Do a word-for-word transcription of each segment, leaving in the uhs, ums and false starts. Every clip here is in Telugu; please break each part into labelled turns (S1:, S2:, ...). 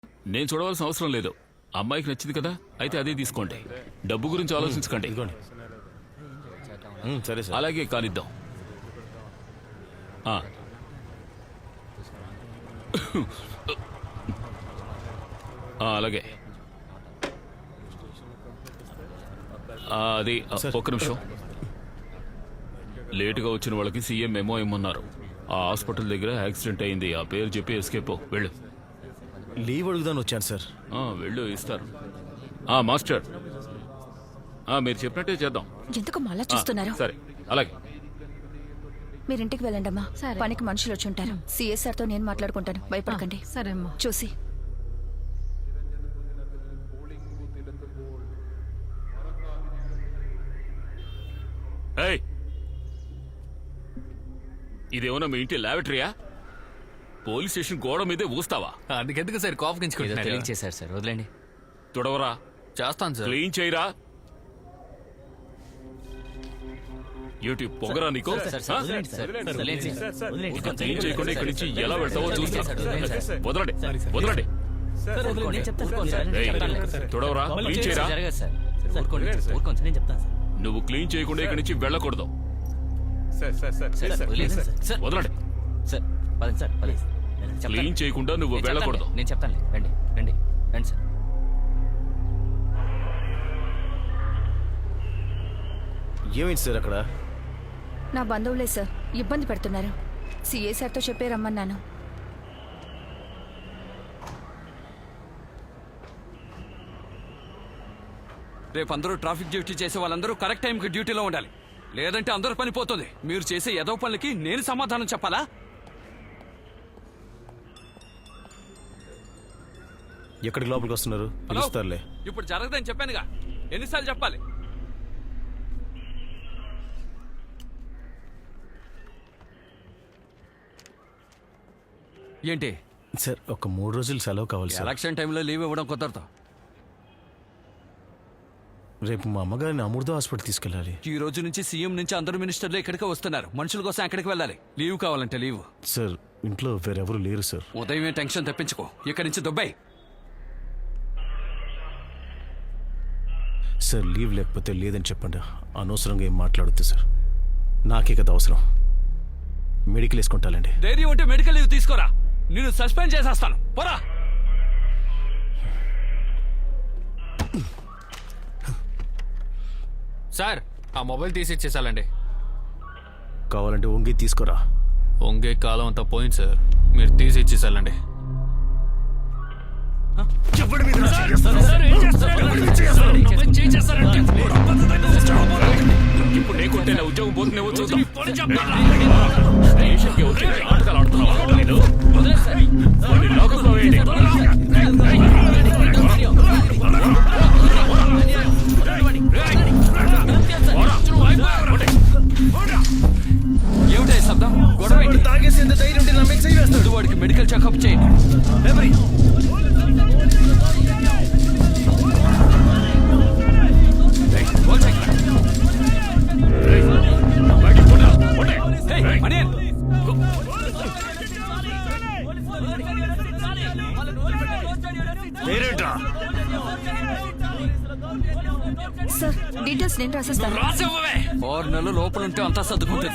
S1: నేను చూడవలసిన అవసరం లేదు. అమ్మాయికి నచ్చింది కదా, అయితే అదే తీసుకోండి. డబ్బు గురించి ఆలోచించకండి.
S2: సరే సార్.
S1: అలాగే కానిద్దాం. ఆ. ఆ, అలాగే ఆ, అది ఒక్క నిమిషం. లేటుగా వచ్చిన వాళ్ళకి సీఎం మెమో ఇమ్మన్నారు. ఆ హాస్పిటల్ దగ్గర యాక్సిడెంట్ అయింది. ఆ పేరు చెప్పి ఎస్కేప్ వెళ్ళు.
S2: లీవ్ అడుగుదాని వచ్చాను సార్.
S1: వెళ్ళు, ఇస్తారు. ఆ మాస్టర్, మీరు చెప్పినట్టే చేద్దాం.
S3: ఎందుకు మళ్ళా చూస్తున్నారు?
S1: సరే, అలాగే.
S3: మీరింటికి వెళ్ళండి అమ్మా. పనికి మనుషులు వచ్చి ఉంటారు. సిఎస్ఆర్ తో నేను మాట్లాడుకుంటాను, భయపడకండి.
S4: సరే అమ్మా.
S3: చూసి
S1: ఇదేమన్నా మీ ఇంటి లాబరేటరీయా? పోలీస్ స్టేషన్ గోడ మీదే ఊస్తావా?
S5: అందుకెందుకు సార్ కోపగించుకుంటున్నారు?
S6: చేశారు సార్, వదిలేండి.
S1: తుడవరా.
S5: చేస్తాను సార్.
S1: క్లీన్ చేయరా. ఏటి పొగరా నీకు? క్లీన్ చేయకుండా ఇక్కడి నుంచి ఎలా వెళ్తావో చూస్తా. వదలండి, వదలండి. తుడవరా, క్లీన్ చేయరా. నువ్వు క్లీన్ చేయకుండా ఇక్కడి నుంచి వెళ్ళకూడదు. వదలండి. క్లీన్ చేయకుండా నువ్వు వెళ్ళకూడదు.
S6: నేను చెప్తాను. రండి రండి రండి సార్.
S2: ఏమైంది సార్ అక్కడ?
S3: నా బంధువులే సార్, ఇబ్బంది పెడుతున్నారు. సిఏ సార్తో చెప్పే రమ్మన్నాను.
S5: రేపు అందరూ ట్రాఫిక్ డ్యూటీ చేసే వాళ్ళందరూ కరెక్ట్ టైంకి డ్యూటీలో ఉండాలి. లేదంటే అందరూ పని పోతుంది. మీరు చేసే ఏదో పనులకి నేను సమాధానం చెప్పాలా?
S2: ఎక్కడికి లోపలికి వస్తున్నారు? పిలుస్తారులే.
S5: ఇప్పుడు జరగదని చెప్పానుగా, ఎన్నిసార్లు చెప్పాలి? ఏంటి
S2: సార్, ఒక మూడు రోజులు సెలవు కావాలి సార్.
S5: ఎలక్షన్ టైంలో లీవ్ ఇవ్వడం కుదరదు.
S2: రేపు మా అమ్మగారిని అమృత హాస్పిటల్ తీసుకెళ్ళాలి.
S5: ఈ రోజు నుంచి సీఎం నుంచి అందరు మినిస్టర్లు ఇక్కడికే వస్తున్నారు. మనుషుల కోసం ఎక్కడికి వెళ్ళాలి. లీవ్ కావాలంటే లీవ్.
S2: సార్, ఇంట్లో వేరెవరు లేరు సార్.
S5: ఉదయమే టెన్షన్ తెప్పించుకో. ఇక్కడి నుంచి దుబాయ్.
S2: సార్, లీవ్ లేకపోతే లేదని చెప్పండి. అనవసరంగా ఏం మాట్లాడొద్దు సార్. నాకే కదా అవసరం. మెడికల్ వేసుకుంటానండి.
S5: ధైర్యం ఉంటే మెడికల్ లీవ్ తీసుకోరా. నేను సస్పెండ్ చేసేస్తాను. పోరా.
S7: సార్, ఆ మొబైల్ తీసి ఇచ్చేసాలండి.
S2: కావాలంటే వంగి తీసుకోరా.
S7: వంగే కాలం అంతా పోయింది సార్. మీరు తీసి ఇచ్చేసాలండి.
S1: ఇప్పుడు నీకుంటే నా ఉద్యోగం పోతున్నావో చూద్దాం. దేశంకి వచ్చి నాటకాలు ఆడుతున్నావా? నేను లోకంలో వేయండి.
S5: ఏమిటా ఈ శబ్దం? గొడవ తాగేసేంత ధైర్యం ఉంటే నా మీద చెయ్యి వేస్తాడు. వాడికి మెడికల్ చెకప్ చేయండి.
S3: సార్, డీటెయిల్స్ నేను రాసేస్తాను.
S5: ఆరు నెలలు లోపల ఉంటే అంతా సర్దుకుంటుంది.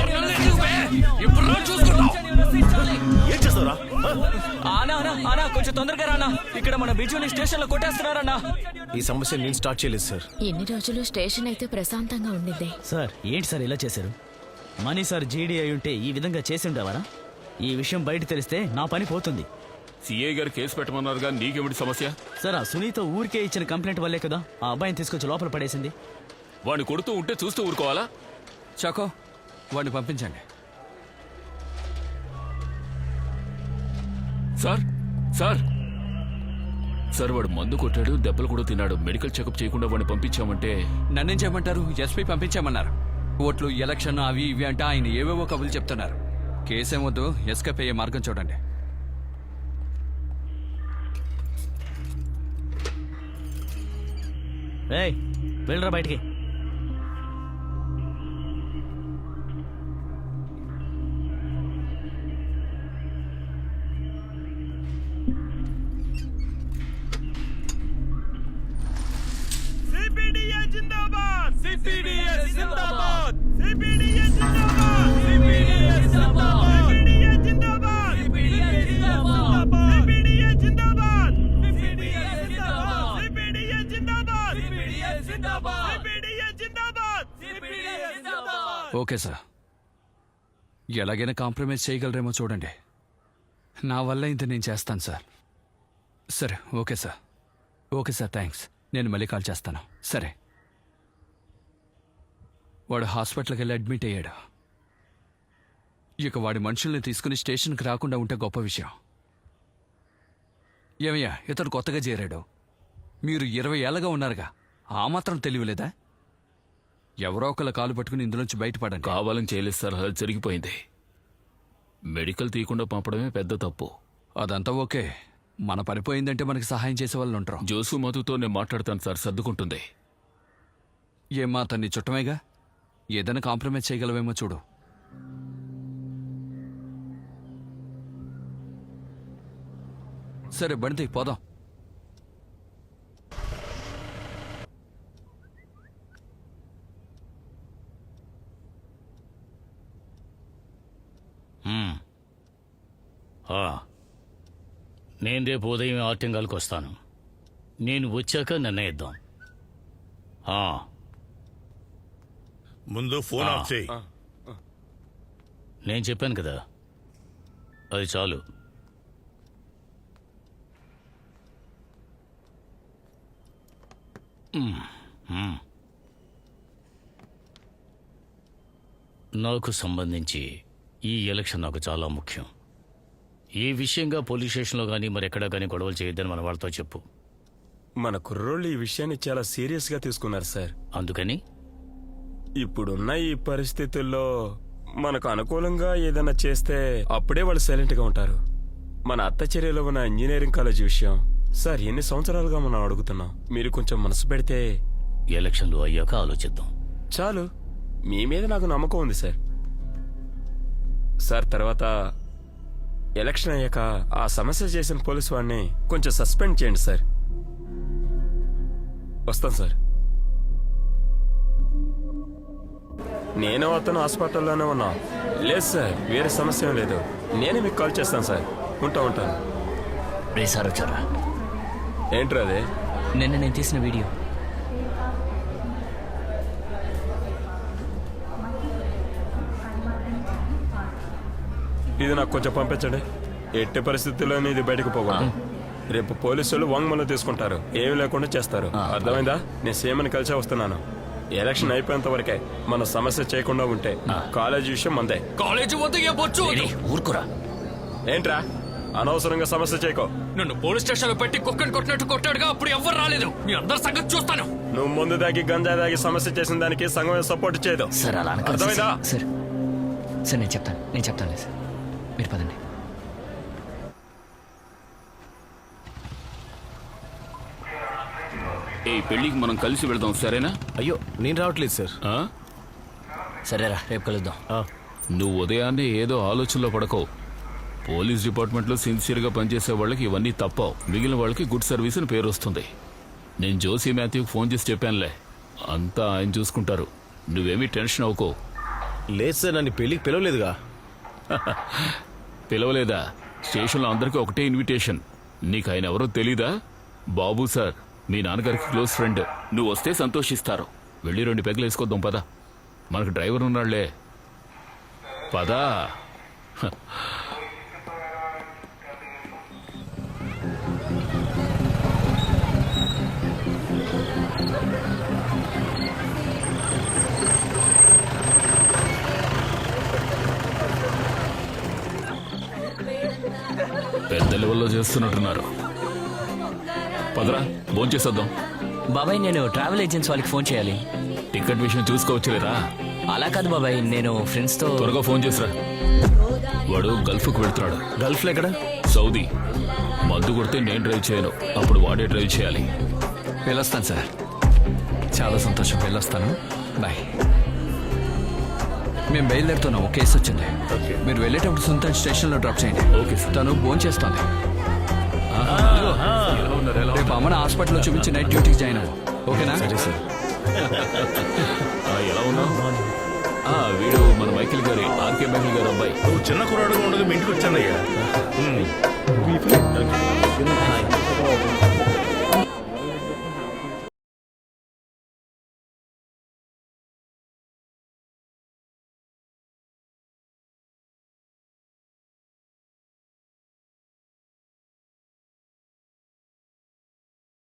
S5: కొంచెం తొందరగా రానా. ఇక్కడ మన బిజుని స్టేషన్ లో కొట్టేస్తున్నారన్నా.
S2: ఈ సమస్య నేను స్టార్ట్ చేయలేదు సార్.
S8: ఎన్ని రోజులు స్టేషన్ అయితే ప్రశాంతంగా ఉండింది.
S9: సార్, ఏంటి సార్ ఇలా చేశారు? మనీ సార్ జీడీ అయి ఉంటే ఈ విధంగా చేసి ఉండేవారా? ఈ విషయం బయట తెలిస్తే నా పని పోతుంది.
S1: సిఐ గారు కేసు పెట్టమన్నారుగా, నీకేమిటి సమస్య?
S9: సార్, ఆ సునీత ఊరికే ఇచ్చిన కంప్లైంట్ వల్లే కదా ఆ అబ్బాయిని తీసుకొచ్చి లోపల పడేసింది.
S1: వాడిని కొడుతూ ఉంటే చూస్తూ ఊరుకోవాలా?
S5: చాకో, వాడిని పంపించండి.
S1: సార్ సార్ సార్ వాడు మందు కొట్టాడు, దెబ్బలు కూడా తిన్నాడు. మెడికల్ చెకప్ చేయకుండా వాడిని పంపించామంటే
S5: నన్నేం చేయమంటారు? ఎస్పీ పంపించామన్నారు. ఓట్లు, ఎలక్షన్, అవి ఇవి అంటే ఆయన ఏవేవో కబులు చెప్తున్నారు. కేసేమొద్దు, ఎస్కేప్ అయ్యే మార్గం చూడండి.
S9: ఏయ్, వెళ్ళరా బయటికి.
S5: Okay sir. ఎలాగైనా కాంప్రమైజ్ చేయగలరేమో చూడండి. నా వల్ల ఇంత నేను చేస్తాను సార్. సరే okay sir. Okay sir, thanks. నేను మళ్ళీ కాల్ చేస్తాను. సరే. వాడు హాస్పిటల్కి వెళ్ళి అడ్మిట్ అయ్యాడు. ఇక వాడి మనుషుల్ని తీసుకుని స్టేషన్కి రాకుండా ఉంటే గొప్ప విషయం. ఏమయ్యా, ఇతడు కొత్తగా చేరాడు. మీరు ఇరవై ఏళ్ళగా ఉన్నారుగా, ఆ మాత్రం తెలియలేదా? ఎవరో ఒకళ్ళ కాలు పట్టుకుని ఇందులోంచి బయటపడండి.
S1: కావాలని చేయలేదు సార్, అలా జరిగిపోయింది. మెడికల్ తీయకుండా పంపడమే పెద్ద తప్పు.
S5: అదంతా ఓకే. మన పనిపోయిందంటే మనకి సహాయం చేసే వాళ్ళు ఉంటారు.
S1: జోసు మధుతో నేను మాట్లాడతాను సార్, సర్దుకుంటుంది.
S5: ఏమ్మా, అతన్ని చుట్టమేగా, ఏదైనా కాంప్రమైజ్ చేయగలవేమో చూడు. సరే బండి పోదాం.
S4: నేను రేపు ఉదయం ఆర్టింగాలకు వస్తాను. నేను వచ్చాక నిర్ణయిద్దాం. ఆ.
S10: ముందు ఫోన్ ఆఫ్ చేయి.
S4: నేను చెప్పాను కదా, అది చాలు. మ్మ్. మ్మ్. నాకు సంబంధించి ఈ ఎలక్షన్ నాకు చాలా ముఖ్యం. ఈ విషయంగా పోలీస్ స్టేషన్లో కానీ మరెక్కడా కానీ గొడవలు చేయొద్దని మన వాళ్ళతో చెప్పు.
S11: మన కుర్రోళ్ళు ఈ విషయాన్ని చాలా సీరియస్గా తీసుకున్నారు సార్.
S4: అందుకని
S11: ఇప్పుడున్న ఈ పరిస్థితుల్లో మనకు అనుకూలంగా ఏదైనా చేస్తే అప్పుడే వాళ్ళు సైలెంట్గా ఉంటారు. మన అత్త చర్యలో ఉన్న ఇంజనీరింగ్ కాలేజ్ విషయం సార్ ఎన్ని సంవత్సరాలుగా మనం అడుగుతున్నాం. మీరు కొంచెం మనసు పెడితే
S4: ఎలక్షన్లు అయ్యాక ఆలోచిద్దాం.
S11: చాలు. మీ మీద నాకు నమ్మకం ఉంది సార్. సార్ తర్వాత ఎలక్షన్ అయ్యాక ఆ సమస్య చేసిన పోలీసు వాడిని కొంచెం సస్పెండ్ చేయండి సార్. వస్తాను సార్. నేను అతను హాస్పిటల్లోనే ఉన్నా. లేదు సార్, వేరే సమస్య ఏం లేదు. నేనే మీకు కాల్ చేస్తాను సార్. ఉంటా ఉంటాను.
S6: రే సార్ వచ్చారా?
S11: ఏంట్రా అదే?
S6: నిన్న నేను తీసిన వీడియో.
S11: ఇది నాకు కొంచెం పంపించండి. ఎట్టి పరిస్థితుల్లోనే ఇది బయటకు పోకూడదు. రేపు పోలీసులు వాంగ్మూలం తీసుకుంటారు, ఏమి లేకుండా చేస్తారు. అర్థమైందా? నేను సీఎంని కలిసే వస్తున్నాను. ఎలక్షన్ అయిపోయేంత వరకే మన సమస్య చేయకుండా ఉంటే కాలేజీ విషయం మందే.
S5: కాలేజీ
S6: ఊరుకురా.
S11: ఏంట్రా అనవసరంగా సమస్య చేయకో.
S5: నన్ను పోలీస్ స్టేషన్ లో పెట్టి కుక్కని కొట్టినట్టు కొట్టాడుగా, అప్పుడు ఎవ్వరు రాలేదు. మీ అందరి సంగతి చూస్తాను.
S11: నువ్వు ముందు దాగి గంజా దాగి సమస్య చేసిన దానికి సంఘం సపోర్ట్ చేయదు.
S6: సార్ అలా అనకండి
S11: అర్థమైందా?
S6: సార్. సార్ నేను చెప్తాను నేను చెప్తాను సార్, మీరు పదండి.
S1: ఈ పెళ్లికి మనం కలిసి వెళదాం, సరేనా?
S2: అయ్యో, నేను రావట్లేదు సార్.
S1: ఆ?
S6: సరేరా, రేపు కలుద్దాం.
S2: ఆ,
S1: నువ్వు ఉదయాన్నే ఏదో ఆలోచనలో పడకో. పోలీస్ డిపార్ట్మెంట్లో సిన్సియర్గా పనిచేసే వాళ్ళకి ఇవన్నీ తప్పవు. మిగిలిన వాళ్ళకి గుడ్ సర్వీస్ అని పేరు వస్తుంది. నేను జోసీ మాథ్యూకి ఫోన్ చేసి చెప్పానులే, అంతా ఆయన చూసుకుంటారు. నువ్వేమీ టెన్షన్ అవ్వకో.
S2: లేదు సార్, నన్ను పెళ్ళికి పిలవలేదుగా.
S1: పిలవలేదా? స్టేషన్లో అందరికీ ఒకటే ఇన్విటేషన్. నీకు ఆయన ఎవరో తెలీదా? బాబు సార్, మీ నాన్నగారికి క్లోజ్ ఫ్రెండ్. నువ్వు వస్తే సంతోషిస్తారు. వెళ్ళి రెండు పెగ్గలు వేసుకొద్దాం పదా. మనకు డ్రైవర్ ఉన్నాళ్లే, పదా. పెద్ద లెవెల్లో చేస్తున్నట్టున్నారు. పదరా, భోంచేసేద్దాం.
S6: బాబాయ్, నేను ట్రావెల్ ఏజెన్సీ వాళ్ళకి ఫోన్ చేయాలి.
S1: టికెట్ విషయం చూసుకోవచ్చులేరా?
S6: అలా కాదు బాబాయ్, నేను ఫ్రెండ్స్తో.
S1: త్వరగా ఫోన్ చేసిరా. వాడు గల్ఫ్కు వెళ్తున్నాడు.
S2: గల్ఫ్లో ఎక్కడ?
S1: సౌదీ. మందు కొడితే నేను డ్రైవ్ చేయను, అప్పుడు వాడే డ్రైవ్ చేయాలి.
S5: వెళ్ళొస్తాను సార్. చాలా సంతోషం, వెళ్ళొస్తాను. బాయ్. మేము బయలుదేరుతున్నాం. ఒక కేసు వచ్చింది. మీరు వెళ్ళేటప్పుడు సుల్తాన్ స్టేషన్లో డ్రాప్ చేయండి.
S1: Okay sir.
S5: తను ఫోన్ చేస్తాను. రేపు అమ్మని హాస్పిటల్లో చూపించి నైట్ డ్యూటీకి జాయిన్ అవ్వు. ఓకేనా?
S2: సరే సార్.
S1: ఎలా ఉన్నావు? వీడు మన మైకిల్ గారి, ఆర్కే మైకిల్ గారి అబ్బాయి.
S10: నువ్వు చిన్న కుర్రాడుగా ఉండదు, మీ ఇంటికి వచ్చానయ్యా.